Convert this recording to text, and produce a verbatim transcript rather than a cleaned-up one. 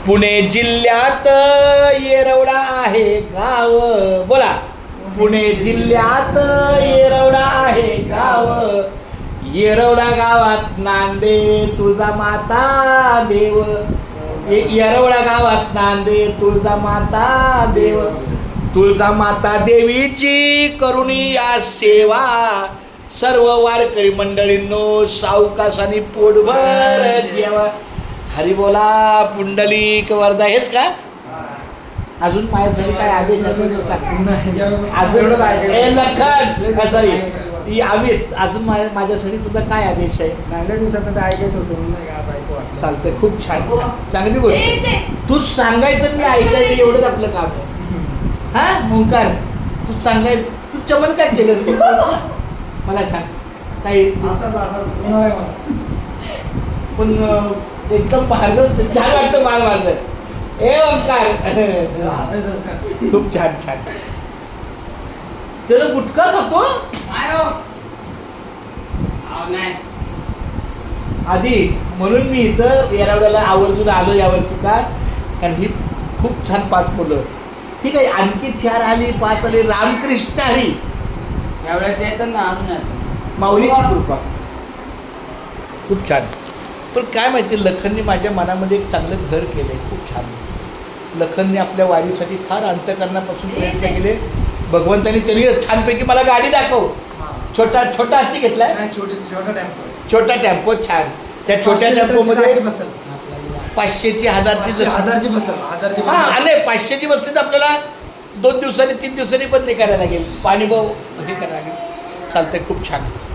पुणे जिल्ह्यात येरवडा आहे गाव. बोला. पुणे जिल्ह्यात येरवडा आहे गाव. येरवडा गावात नांदे तुळजा माता देव. येरवडा गावात नांदे तुळजा माता देव. तुळजा माता देवीची करुणी या सेवा. सर्व वारकरी मंडळींनो सावकासानी पोटभर जेवा. हरी बोला पुंडलिक वरदा. हेच का अजून माझ्यासाठी काय आदेश अजून ए लखन सॉरी ती अमित अजून माझ्या माझ्यासाठी तुझा काय आदेश आहे? नागल्या दिवसात ऐकायचं होतं नाही का बायको. चालतंय. खूप छान चांगली गोष्ट. तू सांगायचं मी ऐकायचं एवढंच आपलं काम आहे. हा ओंकार तू सांगायचं. तू चमन काय केलं मला सांग काही पण एकदम पाहत छान वाटतं माल माझं. ए ओंकार खूप छान छान. त्याला गुटखा खातो आधी म्हणून मी इथं येरवड्याला आवर्जून आलो यावरची का कारण ही खूप छान पाच मुलं. ठीक आहे आणखी चार आली पाच आली रामकृष्ण आली यावेळेस येतात ना अजून येतात. माऊलीची कृपा खूप छान. पण काय माहिती लखनने माझ्या मनामध्ये एक चांगलं घर केलंय. खूप छान. लखनने आपल्या वारीसाठी फार अंतःकरणापासून प्रयत्न केले. भगवंतांनी त्यांनी छानपैकी मला गाडी दाखव. छोटा छोटा हत्ती घेतलाय. छोटे छोटा टेम्पो छोटा टेम्पो छान. त्या छोट्या टेम्पोमध्ये पाचशेची हजारची हजारची बसल हजारची हा आणि पाचशेची बसली तर आपल्याला दोन दिवसांनी तीन दिवसांनी बंद करायला लागेल. पाणी भाऊ हे करायला लागेल. चालतंय खूप छान.